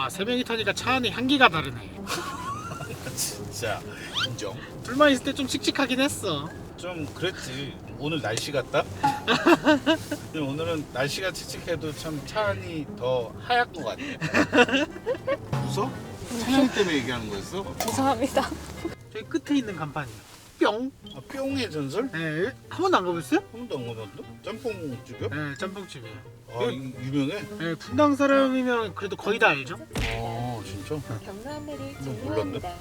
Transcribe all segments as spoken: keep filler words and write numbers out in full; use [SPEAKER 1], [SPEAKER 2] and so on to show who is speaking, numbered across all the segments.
[SPEAKER 1] 세 명이 타니까 차 안에 향기가 다르네.
[SPEAKER 2] 진짜 인정.
[SPEAKER 1] 둘만 있을 때 좀 칙칙하긴 했어.
[SPEAKER 2] 좀 그랬지. 오늘 날씨 같다. 근데 오늘은 날씨가 칙칙해도 참 차 안이 더 하얗 것 같아. 웃어? 찬영이 때문에 얘기하는 거였어?
[SPEAKER 3] 죄송합니다.
[SPEAKER 1] 저기 끝에 있는 간판이요. 뿅.
[SPEAKER 2] 아, 뿅의 전설?
[SPEAKER 1] 네, 한 번도 안 가보셨어요?
[SPEAKER 2] 한 번도 안 가봤는데? 짬뽕집이야?
[SPEAKER 1] 네, 짬뽕집이에요.
[SPEAKER 2] 아, 이- 유명해?
[SPEAKER 1] 네, 분당 사람이면 그래도 거의 다 알죠?
[SPEAKER 2] 아, 진짜?
[SPEAKER 3] 경남매를
[SPEAKER 2] 몰랐네.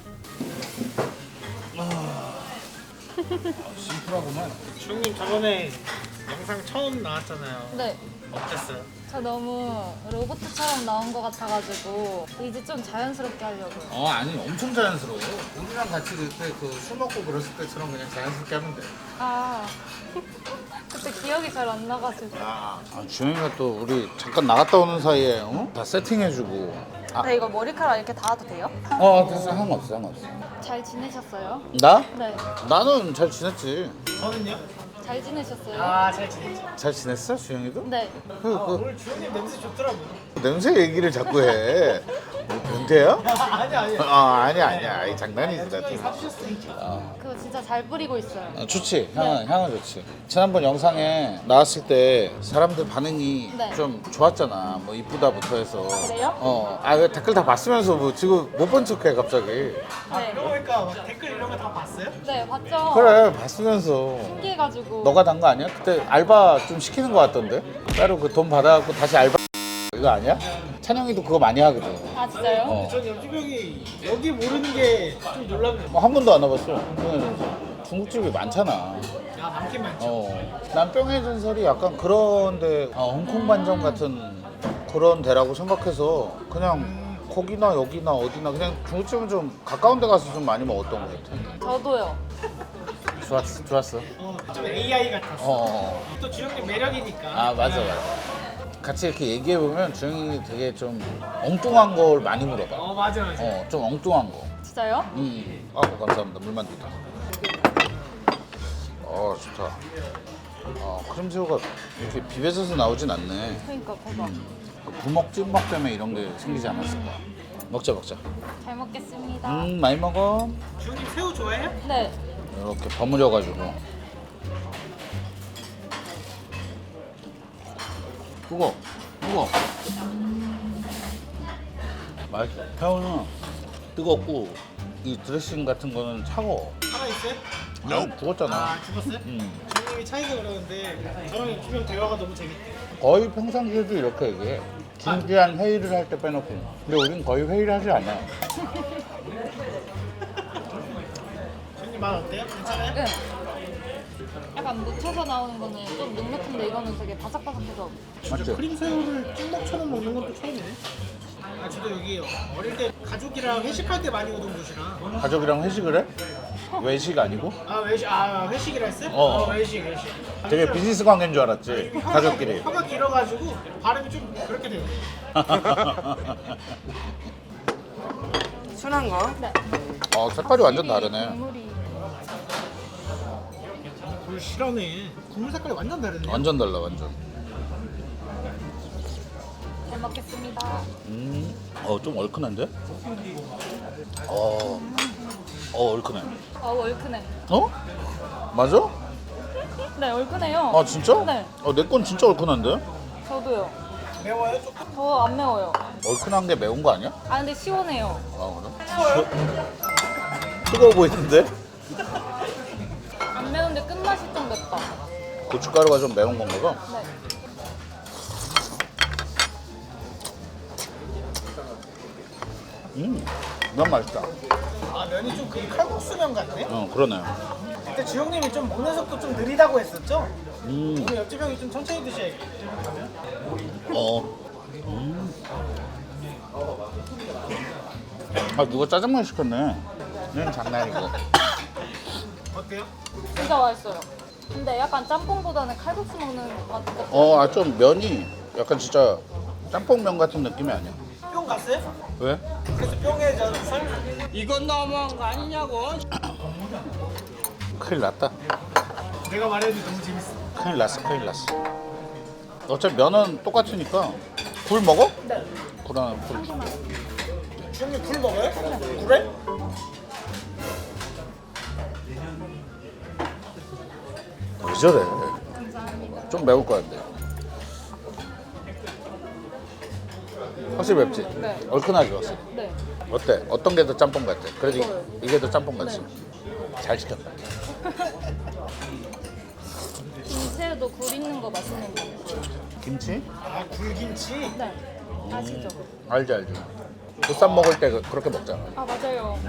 [SPEAKER 2] 아, 심플하구만.
[SPEAKER 1] 주영님 저번에 영상 처음 나왔잖아요.
[SPEAKER 3] 네.
[SPEAKER 1] 어땠어요?
[SPEAKER 3] 저 너무 로봇처럼 나온 것 같아가지고 이제 좀 자연스럽게 하려고요.
[SPEAKER 2] 어, 아니, 엄청 자연스러워. 우리랑 같이 그때 그 술 먹고 그랬을 때처럼 그냥 자연스럽게 하면 돼.
[SPEAKER 3] 아 그때 기억이 잘 안 나가지고.
[SPEAKER 2] 아, 아 주영이가 또 우리 잠깐 나갔다 오는 사이에 어? 다 세팅해주고. 아,
[SPEAKER 3] 네, 이거 머리카락 이렇게 닿아도 돼요?
[SPEAKER 2] 어, 됐어. 상관없어, 상관없어.
[SPEAKER 3] 잘 지내셨어요?
[SPEAKER 2] 나?
[SPEAKER 3] 네.
[SPEAKER 2] 나는 잘 지냈지.
[SPEAKER 1] 저는요?
[SPEAKER 3] 잘 지내셨어요?
[SPEAKER 1] 아, 잘 지냈죠.
[SPEAKER 2] 잘 지냈어, 주영이도?
[SPEAKER 3] 네.
[SPEAKER 2] 그,
[SPEAKER 1] 아,
[SPEAKER 2] 그
[SPEAKER 1] 오늘 주영님 냄새 좋더라고요.
[SPEAKER 2] 냄새 얘기를 자꾸 해. 뭐 변태야?
[SPEAKER 1] 아니, 아니.
[SPEAKER 2] 아, 아니야, 아니야. 아이, 장난이지, 나.
[SPEAKER 1] 주영이 사주셨으니까.
[SPEAKER 3] 그거 진짜 잘 뿌리고 있어요.
[SPEAKER 2] 아, 좋지. 향은, 향은 좋지. 지난번 영상에 나왔을 때 사람들 반응이
[SPEAKER 3] 네.
[SPEAKER 2] 좀 좋았잖아. 뭐 이쁘다부터 해서.
[SPEAKER 3] 그래요?
[SPEAKER 2] 어. 아, 그 댓글 다 봤으면서 뭐 지금 못 본 척해 갑자기.
[SPEAKER 1] 아,
[SPEAKER 3] 네.
[SPEAKER 1] 그러고 보니까 막 댓글 이런 거 다 봤어요?
[SPEAKER 3] 네, 봤죠?
[SPEAKER 2] 그래, 봤으면서.
[SPEAKER 3] 신기해가지고.
[SPEAKER 2] 너가 단 거 아니야? 그때 알바 좀 시키는 거 같던데? 따로 그 돈 받아갖고 다시 알바 이거 아니야? 찬영이도 그거 많이 하거든.
[SPEAKER 3] 아, 진짜요?
[SPEAKER 2] 어.
[SPEAKER 1] 전 옆집 형이 여기 모르는 게 좀 놀랍네요.
[SPEAKER 2] 뭐 한 번도 안 와봤어. 뿅의 전설. 중국집이 많잖아.
[SPEAKER 1] 야, 많긴 많죠.
[SPEAKER 2] 어. 난 뿅의 전설이 약간 그런데 어, 홍콩 반점 같은 그런 데라고 생각해서 그냥 거기나 여기나 어디나 그냥 중국집은 좀 가까운 데 가서 좀 많이 먹었던 것 같아.
[SPEAKER 3] 저도요.
[SPEAKER 2] 좋았어, 좋았어.
[SPEAKER 1] 어, 좀 에이아이 같았어.
[SPEAKER 2] 어.
[SPEAKER 1] 또 주영님 매력이니까.
[SPEAKER 2] 아, 맞아, 맞아. 같이 이렇게 얘기해보면 주영이 되게 좀 엉뚱한 걸 많이 물어봐.
[SPEAKER 1] 어, 맞아, 맞아.
[SPEAKER 2] 어, 좀 엉뚱한 거.
[SPEAKER 3] 진짜요?
[SPEAKER 2] 음. 아, 감사합니다. 물만두다. 어, 좋다. 어, 크림새우가 이렇게 비벼져서 나오진 않네.
[SPEAKER 3] 그러니까 대박.
[SPEAKER 2] 그 부먹 찐먹 때문에 이런 게 생기지 않았을까. 먹자, 먹자.
[SPEAKER 3] 잘 먹겠습니다.
[SPEAKER 2] 음, 많이 먹어.
[SPEAKER 1] 주영님 새우 좋아해요?
[SPEAKER 3] 네.
[SPEAKER 2] 이렇게 버무려가지고. 뜨거, 뜨거. 맛있어. 새우는 뜨겁고 이 드레싱 같은 거는 차가워.
[SPEAKER 1] 살아있어요?
[SPEAKER 2] 너 죽었잖아.
[SPEAKER 1] 아, 죽었어요?
[SPEAKER 2] 음.
[SPEAKER 1] 주영님이 차이가 그러는데 저랑 옆집 형 대화가 너무 재밌대요.
[SPEAKER 2] 거의 평상시에도 이렇게 얘기해. 진지한 회의를 할 때 빼놓고. 근데 우린 거의 회의를 하지 않아.
[SPEAKER 1] 주영님 말 어때요? 괜찮아요?
[SPEAKER 3] 네. 약간 묻혀서 나오는 거는 좀 눅눅한데 이거는 되게 바삭바삭해서.
[SPEAKER 2] 맞지?
[SPEAKER 1] 크림새우를 찐먹처럼 먹는 건 또 처음이네. 아, 저도 여기 어릴 때 가족이랑 회식할 때 많이 오던 곳이라.
[SPEAKER 2] 가족이랑 회식을 해? 외식 아니고?
[SPEAKER 1] 아, 외식, 아, 회식이라 했어요?
[SPEAKER 2] 어.
[SPEAKER 1] 어, 외식, 외식.
[SPEAKER 2] 되게 비즈니스 관계인 줄 알았지.
[SPEAKER 1] 혀가-
[SPEAKER 2] 가족끼리.
[SPEAKER 1] 혀가 길어가지고 발음이 좀 그렇게 돼요.
[SPEAKER 4] 순한 거?
[SPEAKER 3] 네.
[SPEAKER 2] 어, 색깔이 완전 다르네.
[SPEAKER 3] 국물이.
[SPEAKER 1] 불 실하네. 국물 색깔이 완전 다르네.
[SPEAKER 2] 완전 달라, 완전.
[SPEAKER 3] 잘 먹겠습니다.
[SPEAKER 2] 음, 어, 좀 얼큰한데? 어, 어, 얼큰해.
[SPEAKER 3] 어, 얼큰해.
[SPEAKER 2] 어? 맞아?
[SPEAKER 3] 네, 얼큰해요.
[SPEAKER 2] 아, 진짜?
[SPEAKER 3] 네.
[SPEAKER 2] 어, 내 건 진짜 얼큰한데?
[SPEAKER 3] 저도요.
[SPEAKER 1] 매워요? 조금?
[SPEAKER 3] 저 안 매워요.
[SPEAKER 2] 얼큰한 게 매운 거 아니야?
[SPEAKER 3] 아, 근데 시원해요.
[SPEAKER 2] 아, 그래? 뜨거워 보이는데?
[SPEAKER 3] 안 매운데 끝맛이 좀 맵다.
[SPEAKER 2] 고춧가루가 좀 매운 건가 봐.
[SPEAKER 3] 네.
[SPEAKER 2] 음, 면 맛있다.
[SPEAKER 1] 아, 면이 좀 그 칼국수면 같네?
[SPEAKER 2] 어, 그러네.
[SPEAKER 1] 그때 주영님이 좀 먹는 속도 좀 느리다고 했었죠?
[SPEAKER 2] 음,
[SPEAKER 1] 오늘 옆집 형이 좀 천천히 드셔야겠다.
[SPEAKER 2] 어. 음. 아, 누가 짜장면 시켰네. 이건 장난이고.
[SPEAKER 1] 어때요?
[SPEAKER 3] 진짜 맛있어요. 근데 약간 짬뽕보다는 칼국수 먹는 맛 같아요.
[SPEAKER 2] 어, 아, 좀 면이 약간 진짜 짬뽕면 같은 느낌이 아니야.
[SPEAKER 1] 뿅 갔어요?
[SPEAKER 2] 왜?
[SPEAKER 1] 그래서 뿅에 전설?
[SPEAKER 4] 이건 너무한 거 아니냐고?
[SPEAKER 2] 큰일 났다.
[SPEAKER 1] 내가 말해도 너무 재밌어.
[SPEAKER 2] 큰일 났어, 큰일 났어. 어차피 면은 똑같으니까 굴 먹어?
[SPEAKER 3] 네.
[SPEAKER 2] 그럼 굴.
[SPEAKER 1] 주영님 굴 먹어요? 그래?
[SPEAKER 2] 왜 저래?
[SPEAKER 3] 감사합니다.
[SPEAKER 2] 좀 매울 것 같네. 확실히 맵지?
[SPEAKER 3] 네.
[SPEAKER 2] 얼큰하게 왔어.
[SPEAKER 3] 네.
[SPEAKER 2] 어때? 어떤 게 더 짬뽕 같아? 그래도
[SPEAKER 3] 이거요.
[SPEAKER 2] 이- 이게 더 짬뽕 같지?
[SPEAKER 3] 네.
[SPEAKER 2] 잘 시켰다.
[SPEAKER 3] 김새우도 굴 있는 거 맛있는 거.
[SPEAKER 2] 김치?
[SPEAKER 1] 아 굴김치?
[SPEAKER 3] 네. 아시죠?
[SPEAKER 2] 알지 알지. 보쌈 먹을 때 그- 그렇게 먹잖아.
[SPEAKER 3] 아 맞아요.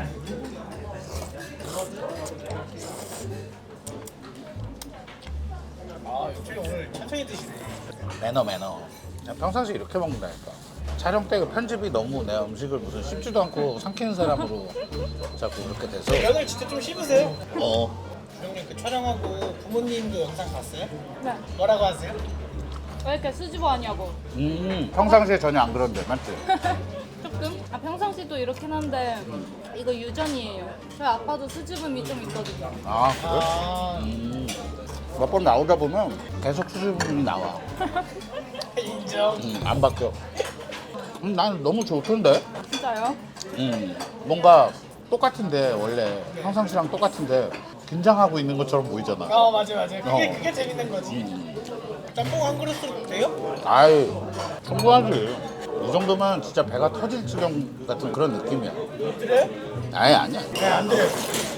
[SPEAKER 1] 아 역시 오늘 천천히 드시네.
[SPEAKER 2] 매너 매너. 그냥 평상시 이렇게 먹는다니까. 촬영 때 그 편집이 너무 내 음식을 무슨 씹지도 않고 삼키는 사람으로 자꾸 그렇게 돼서
[SPEAKER 1] 면을 진짜 좀 씹으세요.
[SPEAKER 2] 어
[SPEAKER 1] 주영님 그 촬영하고 부모님도 영상 봤어요?
[SPEAKER 3] 네.
[SPEAKER 1] 뭐라고 하세요?
[SPEAKER 3] 왜 이렇게 수줍어 하냐고.
[SPEAKER 2] 음, 평상시에 전혀 안 그런데 맞지?
[SPEAKER 3] 조금? 아 평상시도 이렇긴 한데 이거 유전이에요. 저희 아빠도 수줍음이 좀 있거든요.
[SPEAKER 2] 아 그래?
[SPEAKER 1] 아
[SPEAKER 2] 음, 몇 번 나오다 보면 계속 수줍음이 나와.
[SPEAKER 1] 인정.
[SPEAKER 2] 음, 안 바뀌어. 음, 난 너무 좋던데?
[SPEAKER 3] 진짜요?
[SPEAKER 2] 음, 뭔가 똑같은데 원래 평상시랑 똑같은데 긴장하고 있는 것처럼 보이잖아.
[SPEAKER 1] 어 맞아 맞아. 그게
[SPEAKER 2] 어.
[SPEAKER 1] 그게 재밌는 거지.
[SPEAKER 2] 음.
[SPEAKER 1] 짬뽕 한 그릇으로 돼요?
[SPEAKER 2] 아이 충분하지. 이 정도면 진짜 배가 터질 지경 같은 그런 느낌이야.
[SPEAKER 1] 그래요?
[SPEAKER 2] 아예 아니야.
[SPEAKER 1] 네 안 돼요.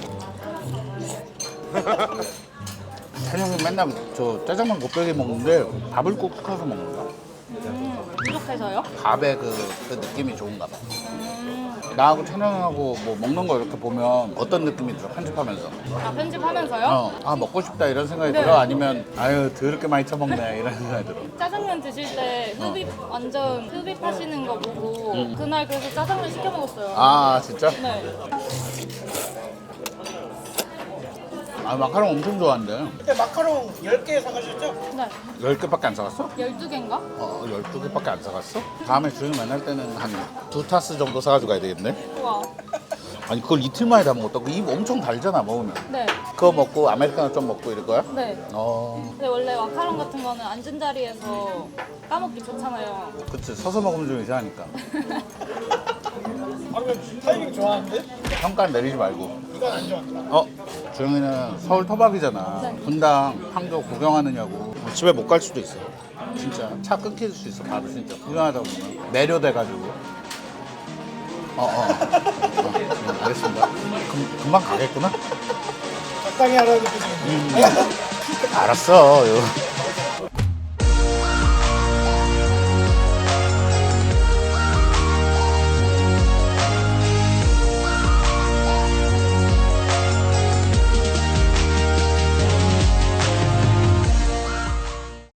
[SPEAKER 2] 찬영이 맨날 저 짜장면 곱빼기 먹는데 밥을 꼭 시켜서 먹는다.
[SPEAKER 3] 음, 부족해서요?
[SPEAKER 2] 밥의 그, 그 느낌이 좋은가 봐.
[SPEAKER 3] 음,
[SPEAKER 2] 나하고 찬영하고 뭐 먹는 거 이렇게 보면 어떤 느낌이 들어? 편집하면서.
[SPEAKER 3] 아 편집하면서요?
[SPEAKER 2] 어, 아 먹고 싶다 이런 생각이
[SPEAKER 3] 네.
[SPEAKER 2] 들어? 아니면 아유 더럽게 많이 처먹네 이런 생각이 들어?
[SPEAKER 3] 짜장면 드실 때 흡입 완전 흡입하시는 거 보고 그날 그래서 짜장면 시켜 먹었어요.
[SPEAKER 2] 아 진짜?
[SPEAKER 3] 네.
[SPEAKER 2] 아 마카롱 엄청 좋아하는데
[SPEAKER 1] 그때 마카롱 열 개 사가셨죠?
[SPEAKER 3] 네.
[SPEAKER 2] 열 개밖에 안 사갔어?
[SPEAKER 3] 열두 개인가?
[SPEAKER 2] 어, 열두 개밖에 안 사갔어? 다음에 주영 만날 때는 한 두 타스 정도 사가지고 가야 되겠네?
[SPEAKER 3] 우와.
[SPEAKER 2] 아니 그걸 이틀 만에 다 먹었다고? 입 엄청 달잖아 먹으면.
[SPEAKER 3] 네.
[SPEAKER 2] 그거 먹고 아메리카노 좀 먹고 이럴 거야?
[SPEAKER 3] 네.
[SPEAKER 2] 어
[SPEAKER 3] 근데 원래 마카롱 같은 거는 앉은 자리에서 까먹기 좋잖아요.
[SPEAKER 2] 그치 서서 먹으면 좀 이상하니까.
[SPEAKER 1] 방금 타이밍 좋아하는데?
[SPEAKER 2] 평가 내리지 말고.
[SPEAKER 1] 이건 안 좋았다.
[SPEAKER 2] 어? 주영이는 서울 토박이잖아.
[SPEAKER 3] 네.
[SPEAKER 2] 분당 판교 구경하느냐고. 집에 못 갈 수도 있어. 진짜 차 끊길 수 있어. 바로 진짜 구경하다 보면 매료돼가지고. 어어. 어. 어, 네, 알겠습니다. 금, 금방 가겠구나.
[SPEAKER 1] 적당히 하라는 뜻이겠네.
[SPEAKER 2] 알았어. 이거.